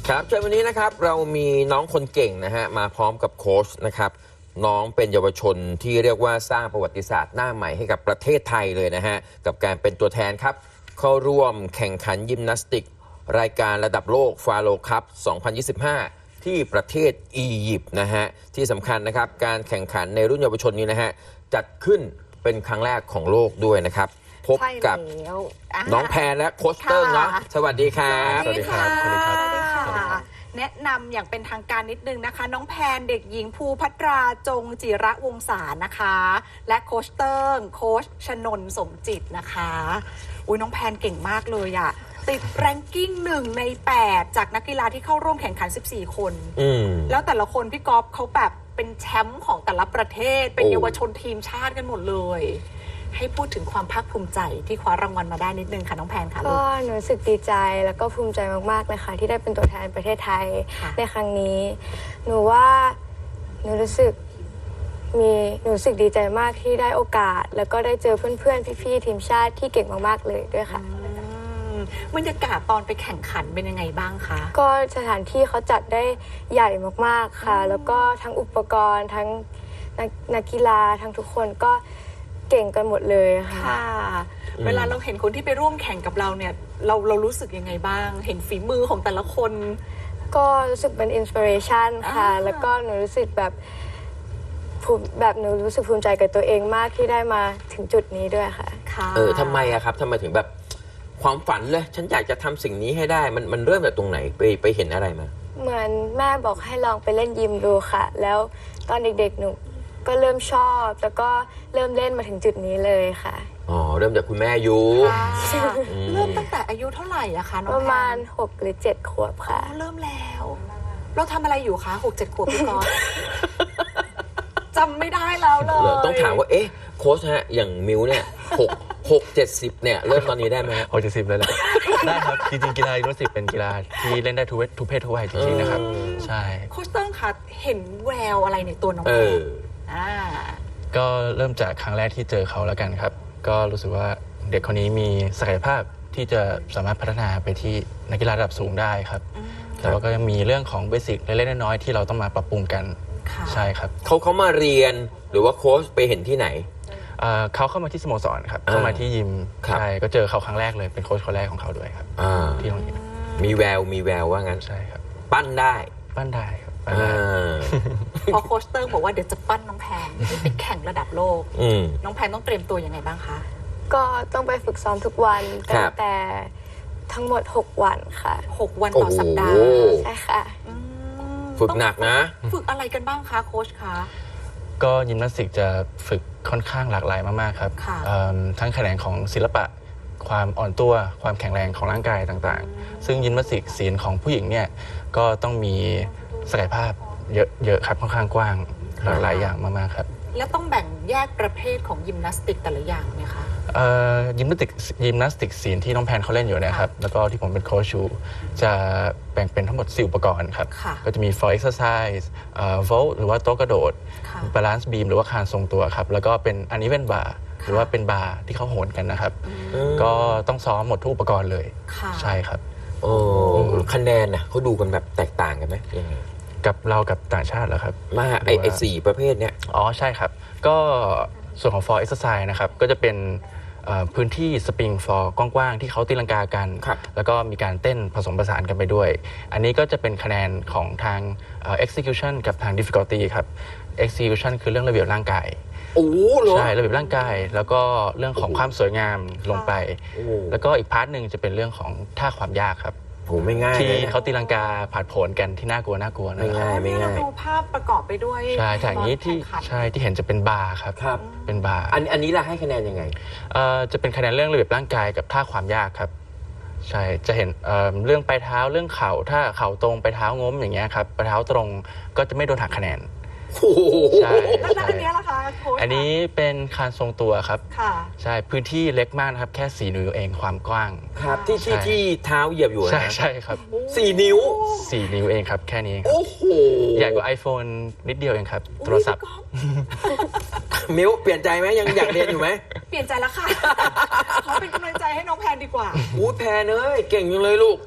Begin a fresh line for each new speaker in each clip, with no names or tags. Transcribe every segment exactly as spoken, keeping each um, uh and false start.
ครับเช้าวันนี้นะครับเรามีน้องคนเก่งนะฮะมาพร้อมกับโค้ชนะครับน้องเป็นเยาวชนที่เรียกว่าสร้างประวัติศาสตร์หน้าใหม่ให้กับประเทศไทยเลยนะฮะกับการเป็นตัวแทนครับเข้าร่วมแข่งขันยิมนาสติกรายการระดับโลกฟาโรคัพสองพันยี่สิบห้าที่ประเทศอียิปต์นะฮะที่สำคัญนะครับการแข่งขันในรุ่นเยาวชนนี้นะฮะจัดขึ้นเป็นครั้งแรกของโลกด้วยนะครับพบกับน้องแพรและโค้ชเติ้งเนาะสวัสดีครับ
สวัสดีครับสวัสดีครับแนะนำอย่างเป็นทางการนิดนึงนะคะน้องแพนเด็กหญิงภูภัตราจงจิระวงศานะคะและโค้ชเติ้งโค้ชชนนท์สมจิตนะคะอุ้ยน้องแพนเก่งมากเลยอะติดแรงกิ้งหนึ่งในแปดจากนักกีฬาที่เข้าร่วมแข่งขันสิบสี่คนแล้วแต่ละคนพี่ก๊อฟเขาแบบเป็นแชมป์ของแต่ละประเทศเป็นเยาวชนทีมชาติกันหมดเลยให้พูดถึงความภาคภูมิใจที่คว้ารางวัลมาได้นิดนึงค่ะน้องแพนค่ะ
ก็หนูรู้สึกดีใจแล้วก็ภูมิใจมากๆเลยค่ะที่ได้เป็นตัวแทนประเทศไทยในครั้งนี้หนูว่าหนูรู้สึกมีหนูรู้สึกดีใจมากที่ได้โอกาสแล้วก็ได้เจอเพื่อนๆพี่ๆทีมชาติที่เก่งมากๆเลยด้วยค่ะ
บรรยากาศตอนไปแข่งขันเป็นยังไงบ้างคะ
ก็สถานที่เขาจัดได้ใหญ่มากๆค่ะแล้วก็ทั้งอุปกรณ์ทั้งนักกีฬาทั้งทุกคนก็เก่งกันหมดเลยค่ะ
เวลาเราเห็นคนที่ไปร่วมแข่งกับเราเนี่ยเราเรารู้สึกยังไงบ้างเห็นฝีมือของแต่ละคน
ก็รู้สึกเป็นอินสปิเรชันค่ะแล้วก็หนูรู้สึกแบบภูมิแบบหนูรู้สึกภูมิใจกับตัวเองมากที่ได้มาถึงจุดนี้ด้วยค่ะ
เออทำไมอะครับทำไมถึงแบบความฝันเลยฉันอยากจะทำสิ่งนี้ให้ได้มันมันเริ่มจากตรงไหนไปไปเห็นอะไรมา
เหมือนแม่บอกให้ลองไปเล่นยิมดูค่ะแล้วตอนเด็กๆหนูก็เริ่มชอบแล้วก็เริ่มเล่นมาถึงจุดนี้เลยค่ะ
อ๋อเริ่มจากคุณแม่อยู่
เริ่มตั้งแต่อายุเท่าไหร่อะคะน้องแพน
ประมาณหกหรือเจ็ดขวบค่ะ
เริ่มแล้วเราทำอะไรอยู่คะหกเจ็ดขวบพี่ก๊อฟจำไม่ได้แล้วเลย
ต้องถามว่าเอ๊ะโค้ชฮะอย่างมิวเนี่ยหกหกเจ็ดสิบเนี่ยเริ่มตอนนี้ได้ไหม
หกเจ็ดสิบเลยแหละได้ครับจริงๆกีฬายิมนาสติกเป็นกีฬาที่เล่นได้ทุกทุกเพศทุกวัยจริงๆนะครับใช่
โค้ชเติ้งคะเห็นแววอะไรในตัวน้องแพน
ก็เริ่มจากครั้งแรกที่เจอเขาแล้วกันครับก็รู้สึกว่าเด็กคนนี้มีศักยภาพที่จะสามารถพัฒนาไปที่นักกีฬาระดับสูงได้ครับแต่ว่าก็ยังมีเรื่องของเบสิกเล็กๆน้อยๆที่เราต้องมาปรับปรุงกันใช่ครับ
เขาเขามาเรียนหรือว่าโค้ชไปเห็นที่ไหน
เขาเข้ามาที่สโมสรครับเข้ามาที่ยิมใช่ก็เจอเขาครั้งแรกเลยเป็นโค้ชคนแรกของเขาด้วยครับที่โรงเรียน
มีแววมีแววว่างั้น
ใช่ครับ
ปั้นได้
ปั้นได้ครับ
พอโค้ชเติ้งบอกว่าเดี๋ยวจะปั้นน้องแพนไปแข่งระดับโลกน้องแพนต้องเตรียมตัวยังไงบ้างคะ
ก็ต้องไปฝึกซ้อมทุกวันตั้งแต่ทั้งหมดหกวันค่ะ
หกวันต่อสัปดาห์
ใช่ค่ะ
ฝึกหนักนะ
ฝึกอะไรกันบ้างคะโค้ชคะ
ก็ยิมนาสติกจะฝึกค่อนข้างหลากหลายมากๆครับทั้งแขนงของศิลปะความอ่อนตัวความแข็งแรงของร่างกายต่างๆซึ่งยิมนาสติกศีลของผู้หญิงเนี่ยก็ต้องมีศักยภาพเยอะเยอะครับค่อนข้างกว้างหลากหลายอย่างมากๆครับ
แล้วต้องแบ่งแยกประเภทของยิมนาสติกแต่ละอย่างไหมคะ
ยิมนาสติกยิมนาสติกศีลที่น้องแพนเขาเล่นอยู่นะครับแล้วก็ที่ผมเป็นโค้ชชูจะแบ่งเป็นทั้งหมดสี่อุปกรณ์ครับก็จะมี for exercise vault หรือว่าโต๊ะกระโดด balance beam หรือว่าคานทรงตัวครับแล้วก็เป็น uneven bar หรือว่าเป็นบาร์ที่เขาโหนกันนะครับก็ต้องซ้อมหมดทุกอุปกรณ์เลยใช่ครับ
โอ้คะแนนน่ะเขาดูกันแบบแตกต่างกันไหมยังไง
กับเรากับต่างชาติเหรอครับ
มาไอไอสี่ประเภทเนี้ย
อ๋อใช่ครับก็ส่วนของ for exercise นะครับก็จะเป็นพื้นที่สปริงฟอร์กว้างๆที่เขาตีลังกากันแล้วก็มีการเต้นผสมผสานกันไปด้วยอันนี้ก็จะเป็นคะแนนของทาง execution กับทาง difficulty ครับ execution คือเรื่องระเบียบร่างกาย
โอ้
ใช่ระเบียบร่างกายแล้วก็เรื่องของความสวยงามลงไปแล้วก็อีกพาร์ทหนึ่งจะเป็นเรื่องของท่าความยากครับ
โอ้ไม่ง่าย
ที่เขาตีลังกาผ่านผลกันที่น่ากลัวน่ากลัวนะ
ไม่ง่ายไม่ง่าย
ดูภาพประกอบไปด้วย
ใช่จากนี้ที่ใช่ที่เห็นจะเป็นบาร์ครับ
ครับ
เป็นบาร์
อันอันนี้ล่ะให้คะแนนยังไง
เอ่อจะเป็นคะแนนเรื่องระเบียบร่างกายกับท่าความยากครับใช่จะเห็นเอ่อเรื่องปลายเท้าเรื่องเข่าถ้าเข่าตรงปลายเท้างมอย่างเงี้ยครับปลายเท้าตรงก็จะไม่โดนหักคะแนน
ใช่แล้วอันนี้ล่ะคะโค้ช
อันนี้เป็นคานทรงตัวครับ
ค่ะ
ใช่พื้นที่เล็กมากนะครับแค่สี่นิ้วเองความกว้าง
ครับที่ที่ที่เท้าเหยียบอยู่นะ
ใช่ใช่ครับ
สี่นิ้ว
สี่นิ้วเองครับแค่นี้
โอ้โห
ใหญ่กว่า iPhone นิดเดียวเองครับโทรศัพท์
มิวเปลี่ยนใจไหมยังอยากเรียนอยู่ไหม
เปลี่ยนใจแล้วค่ะขอเป็นกำลังใจให้น้องแพนดีกว่า
อู้แพนเอ้ยเก่งจังเลยลูก
ขอบคุณค่ะ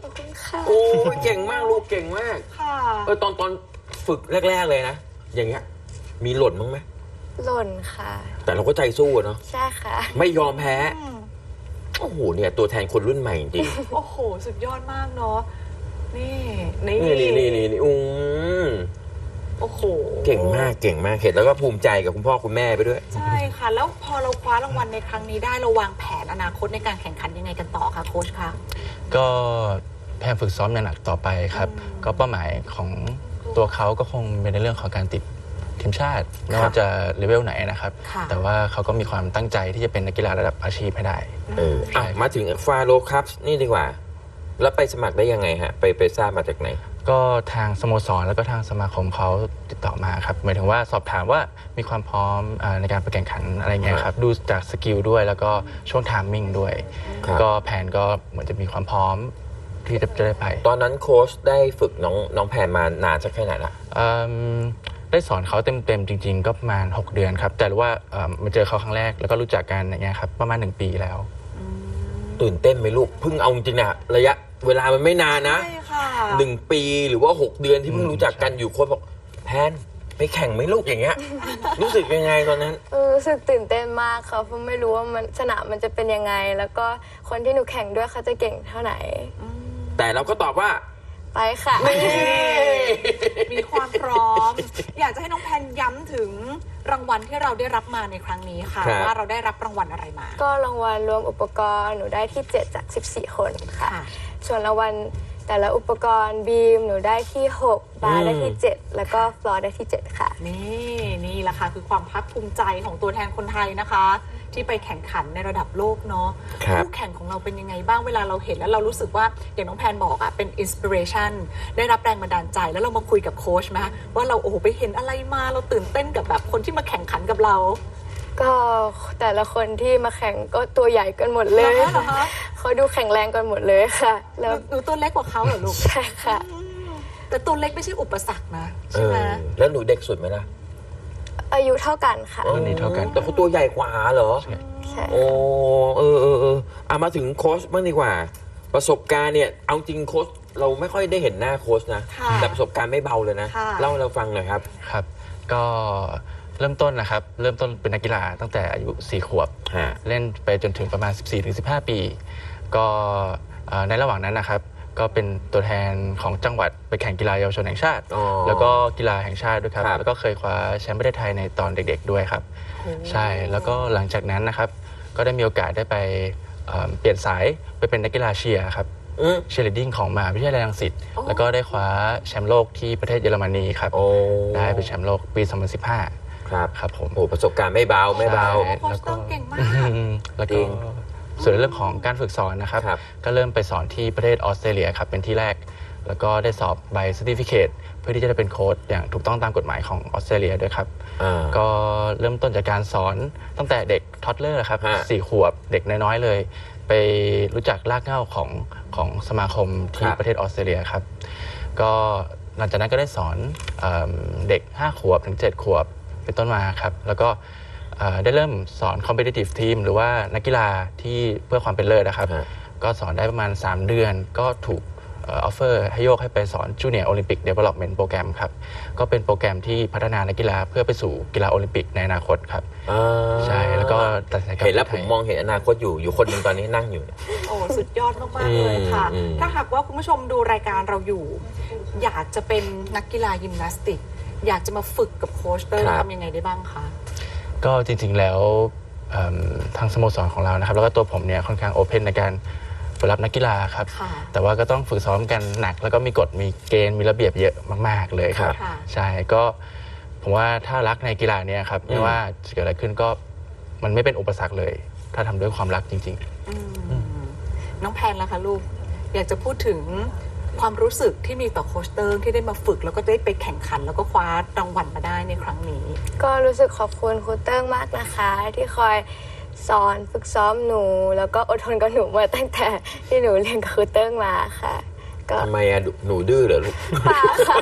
ค่ะ
โอ้ยเก่งมากลูกเก่งมาก
ค่ะ
เออตอนตอนฝึกแรก ๆ เลยนะ อย่างเงี้ยมีหล่นบ้างไหม
หล่นค่ะ
แต่เราก็ใจสู้อะเนาะ
ใช่ค่ะ
ไม่ยอมแพ้
อืม
โอ้โหเนี่ยตัวแทนคนรุ่นใหม่จริง
โอ้โห สุดยอดมากเนาะ นี่ นี่
นี่นี่นี่นี่อืม
โอ้โห
เก่งมากเก่งมากเห็นแล้วก็ภูมิใจกับคุณพ่อคุณแม่ไปด้วย
ใช่ค่ะ แล้วพอเราคว้ารางวัลในครั้งนี้ได้เราวางแผนอนาคตในการแข่งขันยังไงกันต่อคะโค้ชคะ
ก็พยายามฝึกซ้อมอย่างหนักต่อไปครับ
อืม
ก็เป้าหมายของตัวเขาก็คงเป็นในเรื่องของการติดทีมชาติไม่ว่าจะเลเวลไหนนะครับ
ค่ะ
แต่ว่าเขาก็มีความตั้งใจที่จะเป็นนักกีฬาระดับอาชีพให้ได้
เอออ่ะมาถึงฟาโรครับนี่ดีกว่า แล้วไปสมัครได้ยังไงฮะ ไปไปทราบมาจากไหน
ก็ทางสโมสรแล้วก็ทางสมาคมเขาติดต่อมาครับหมายถึงว่าสอบถามว่ามีความพร้อมอาในการไปแข่งขันอะไรเงี้ยครับดูจากสกิลด้วยแล้วก็ช่วงไทามมิ่งด้วย
ครับ
ก็แผนก็เหมือนจะมีความพร้อมที่จะจะได้ไป
ตอนนั้นโค้ชได้ฝึกน้องน้องแพนมานานสักแค่ไหนละ
อืมได้สอนเขาเต็มๆจริง ๆ ก็ประมาณ หก เดือนครับแต่ว่าเอ่อมาเจอเขาครั้งแรกแล้วก็รู้จักกันอย่างเงี้ยครับประมาณหนึ่งปีแล้ว
ตื่นเต้นไหมลูกเพิ่งเอาจริงๆนะระยะเวลามันไม่นานนะ
ใช่ค่ะ
หนึ่งปีหรือว่าหกเดือนที่เพิ่ง
อืม
รู้จักกันอยู่โค้ชบอกแพนไปแข่งไหมลูกอย่างเงี้ย รู้สึกยังไงตอนนั้น
เออรู้สึกตื่นเต้นมากค่ะเพราะไม่รู้ว่ามันสนามมันจะเป็นยังไง แล้วก็คนที่หนูแข่งด้วยเขาจะเก่งเท่าไหน
แต่เราก็ตอบว่า
ไปค่ะ
มีความพร้อม อยากจะให้น้องแพนย้ำถึงรางวัลที่เราได้รับมาในครั้งนี้ค่ะ
ครับ
ว่าเราได้รับรางวัลอะไรมา
ก็รางวัลรวมอุปกรณ์หนูได้ที่เจ็ดจากสิบสี่คนค่ะ
ค่ะ
ส่วนรางวัลแต่ละอุปกรณ์บีมหนูได้ที่หกบาร์ได้ที่เจ็ดแล้วก็ฟลอร์ได้ที่เจ็ดค่ะ
นี่นี่แหละค่ะคือความภาคภูมิใจของตัวแทนคนไทยนะคะ ที่ไปแข่งขันในระดับโลกเนาะ
ครับ
คู่แข่งของเราเป็นยังไงบ้างเวลาเราเห็นแล้วเรารู้สึกว่าอย่างน้องแพนบอกอะเป็นอินสปิเรชันได้รับแรงบันดาลใจแล้วเรามาคุยกับโค้ชไหมว่าเราโอ้โหไปเห็นอะไรมาเราตื่นเต้นกับแบบคนที่มาแข่งขันกับเรา
ก็แต่ละคนที่มาแข่งก็ตัวใหญ่กันหมดเลย
เหรอคะเหรอคะ
เขาดูแข็งแรงกันหมดเลยค่ะ
ห
แล้ว
นูหนูตัวเล็กกว่าเขาเหรอลูก
ใช่ค่ะ
แต่ตัวเล็กไม่ใช่อุปสรรคนะ
เอ
ใช่ไหม
อแล้วหนูเด็กสุดไหมล่ะ
อายุเท่ากันค่ะ
รุ่นนี้เท่ากัน
แต่เขาตัวใหญ่กว่าเหรอ
ใช่
โอ้เออเออเออเอามาถึงโค้ชบ้างดีกว่า ประสบการณ์เนี่ยเอาจริงโค้ชเราไม่ค่อยได้เห็นหน้าโค้ชนะ
ค่ะ
แต่ประสบการณ์ไม่เบาเลยนะ
ค่ะ
เล่าให้เราฟังหน่อยครับ
ครับก็เริ่มต้นนะครับเริ่มต้นเป็นนักกีฬาตั้งแต่อายุสี่ขวบ
ฮะ
เล่นไปจนถึงประมาณ สิบสี่ถึงสิบห้า ปี ก็เอ่อในระหว่างนั้นนะครับก็เป็นตัวแทนของจังหวัดไปแข่งกีฬาเยาวชนแห่งชาติ
อ๋อ
แล้วก็กีฬาแห่งชาติด้วยครับ
ครับ
แล้วก็เคยคว้าแชมป์ประเทศไทยในตอนเด็กๆด้วยครับ ใช่แล้วก็หลังจากนั้นนะครับก็ได้มีโอกาสได้ไปเอ่อเปลี่ยนสายไปเป็นนักกีฬาเชียร์ครับ
อืม
เชียร์ลีดดิ้งของมหาวิทยาลัยรังสิต
โอ้
แล้วก็ได้คว้าแชมป์โลกที่ประเทศเยอรมนีครับ
โอ้
ได้เป็นแชมป์โลกปี สองพันสิบห้า
ครับ
ครับผม
โอ้ประสบการณ์ไม่เบาไม่เบา
ใช่
โค้ชเติ้งเก่งมาก
อืมแล้ว
จริ
ก็
ง
ส่วนเรื่องของการฝึกสอนนะครับ
ครับ
ก็เริ่มไปสอนที่ประเทศออสเตรเลียครับเป็นที่แรก แล้วก็ได้สอบใบ certificate เพื่อที่จะได้เป็นโค้ชอย่างถูกต้องตามกฎหมายของออสเตรเลียด้วยครับ
อ่า
ก็เริ่มต้นจากการสอนตั้งแต่เด็กท็อดเลอร์ครับ
ฮะ
สี่ขวบเด็กน้อยๆเลย ไปรู้จักรากเหง้าของของสมาคมที่
ครับ
ประเทศออสเตรเลียครับ ก็หลังจากนั้นก็ได้สอนเอมเด็กห้าขวบถึงเจ็ดขวบเป็นต้นมาครับ แล้วก็เอ่อได้เริ่มสอน competitive team หรือว่านักกีฬาที่เพื่อความเป็นเลิศนะครับ
ฮะ
ก็สอนได้ประมาณ สาม เดือน ก็ถูกออฟเฟอร์ให้โยกให้ไปสอน Junior Olympic Development Program ครับ ก็เป็นโปรแกรมที่พัฒนานักกีฬาเพื่อไปสู่กีฬาโอลิมปิกในอนาคตครับ
อ่า
ใช่ แล้วก็ตัดสินใจกลับ
เห็นแล้ว
ไท
ผ
ย
มมองเห็นอนาคตอยู่อยู่คนหนึ่งตอนนี้นั่งอยู่เนี่ย
โอ้สุดยอดมากๆเลยค่ะ
อืม
ถ้าหากว่าคุณผู้ชมดูรายการเราอยู่ อยากจะเป็นนักกีฬายิมนาสติก อยากจะมาฝึกกับโค้ชเตอร์ทำยังไงได้บ้างคะ
ก็จริงๆแล้วเอิ่มทางสโมสรของเรานะครับ แล้วก็ตัวผมเนี่ยค่อนข้างโอเพนในการเปิดรับนักกีฬาครับ
ค่ะ
แต่ว่าก็ต้องฝึกซ้อมกันหนัก แล้วก็มีกฎมีเกณฑ์มีระเบียบเยอะมาก ๆเลยครับ
ค่ะ
ใช่ก็ผมว่าถ้ารักในกีฬาเนี้ครับไม่ว่าจะเกิดอะไรขึ้นก็มันไม่เป็นอุปสรรคเลย ถ้าทำด้วยความรักจริง ๆ
อืมน้องแพนล่ะคะลูก อยากจะพูดถึงความรู้สึกที่มีต่อโค้ชเติร์งที่ได้มาฝึกแล้วก็ได้ไปแข่งขัน แล้วก็คว้ารางวัลมาได้ในครั้งนี้
ก็รู้สึกขอบคุณครูเติ้งมากนะคะ ที่คอยสอนฝึกซ้อมหนู แล้วก็อดทนกับหนูมาตั้งแต่ที่หนูเรียนกับครูเติ้งมาค่ะ ก็
ทำไมอะหนูดื้อเหรอลูก
ป่าค่ะ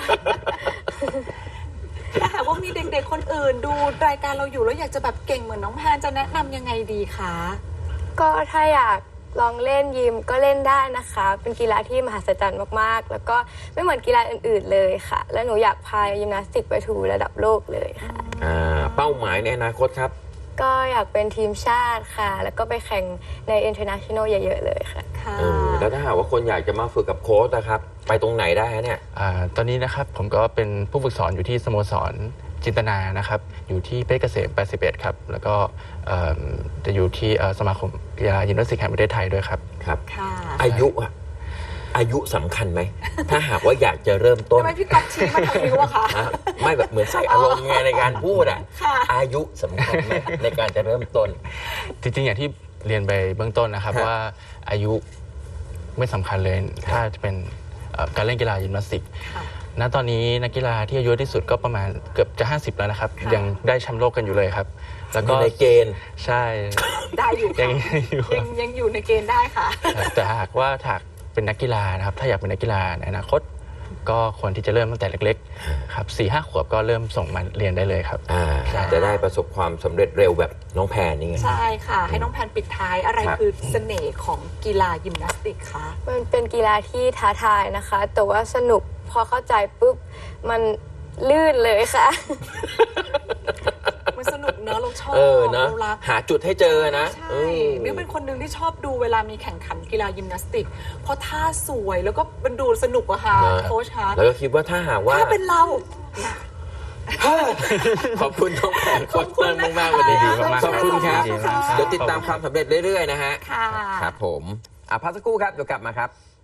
ถ้าหากว่ามีเด็กๆคนอื่นดูรายการเราอยู่แล้วอยากจะแบบเก่งเหมือนน้องแพนจะแนะนำยังไงดีคะ
ก็ถ้าอยากลองเล่นยิมก็เล่นได้นะคะ เป็นกีฬาที่มหัศจรรย์มากๆ แล้วก็ไม่เหมือนกีฬาอื่นๆเลยค่ะ และหนูอยากพายิมนาสติกไปถูระดับโลกเลยค่ะ
อ่าเป้าหมายในอนาคตครับ
ก็อยากเป็นทีมชาติค่ะ แล้วก็ไปแข่งใน international เยอะๆเลยค่ะ
ค่ะ
เออแล้วถ้าหากว่าคนอยากจะมาฝึกกับโค้ชนะครับ ไปตรงไหนได้ฮะเนี่ย
อ่าตอนนี้นะครับผมก็เป็นผู้ฝึกสอนอยู่ที่สโมสรจินตนานะครับอยู่ที่เพชรเกษมแปดสิบเอ็ดครับแล้วก็เอิ่มจะอยู่ที่เอ่อสมาคมกีฬายิมนาสติกแห่งประเทศไทยด้วยครับ
ครับ
ค่ะ
อายุอะอายุสำคัญไหม ถ้าหากว่าอยากจะเริ่มต้น
ทำไมพี่ก๊อฟชี้มาทางนิ้วอะคะ
อ่ะไม่แบบเหมือนใส่อารมณ์ไงในการพูดอ่ะ
ค่ะ
อายุสำคัญไหมในการจะเริ่มต้น
จริงๆ อย่างที่เรียนไปเบื้องต้นนะครับ
ครับ
ว่าอายุไม่สำคัญเลย ถ้าจะเป็นเอ่อการเล่นกีฬายิมนาสติก
ค่ะ
ณตอนนี้นักกีฬาที่อายุที่สุดก็ประมาณเกือบจะ ห้าสิบ แล้วนะครับ
ค่ะ
ยังได้แชมป์โลกกันอยู่เลยครับ แล้ว
อ
ก็
ยู่ในเกณฑ์
ใช่
ได้อยู่
ยั
ค่ะ
งอยู่
ยังยังอยู่ในเกณฑ์ได้ค่ะ
ครับแต่หากว่าถ้าเป็นนักกีฬานะครับ ถ้าอยากเป็นนักกีฬาในอนาคต ก็ควรที่จะเริ่มตั้งแต่เล็กๆครับสี่ห้าขวบก็เริ่มส่งมาเรียนได้เลยครับ
อ่า
ค่ะ
จะได้ประสบความสำเร็จเร็วแบบน้องแพนนี่ไง
ใช่ค่ะ ให้น้องแพนปิดท้ายอะไร
ครับ
คือเสน่ห์ของกีฬายิมนาสติกคะ
มันเป็นกีฬาที่ท้าทายนะคะ แต่ว่าสนุกพอเข้าใจปุ๊บ มันลื่นเลยค่ะ
มันสนุกเนอะเราชอบ
เออนะ
เรารัก
หาจุดให้เจอนะ
ใช่
เออ
มิวเป็นคนหนึ่งที่ชอบดูเวลามีแข่งขันกีฬายิมนาสติก เพราะท่าสวยแล้วก็มันดูสนุกอะค่ะ
นะ
โค้ชคะ
แล้วก็คิดว่าถ้าหากว่า
ถ้าเป็นเรา
ขอบคุณน้องแพนโคตรเติ้ลมากๆ
ขอบ
วัน
คุณ
นี้
นะคะ
ขอบคุณครับ
ขอบคุณค่ะ
เดี๋ยวติดตามความสำเร็จเรื่อยๆนะฮะ
ค่ะ
ครับผมอ่ะพักสักครู่ครับ เดี๋ยวกลับมาครับ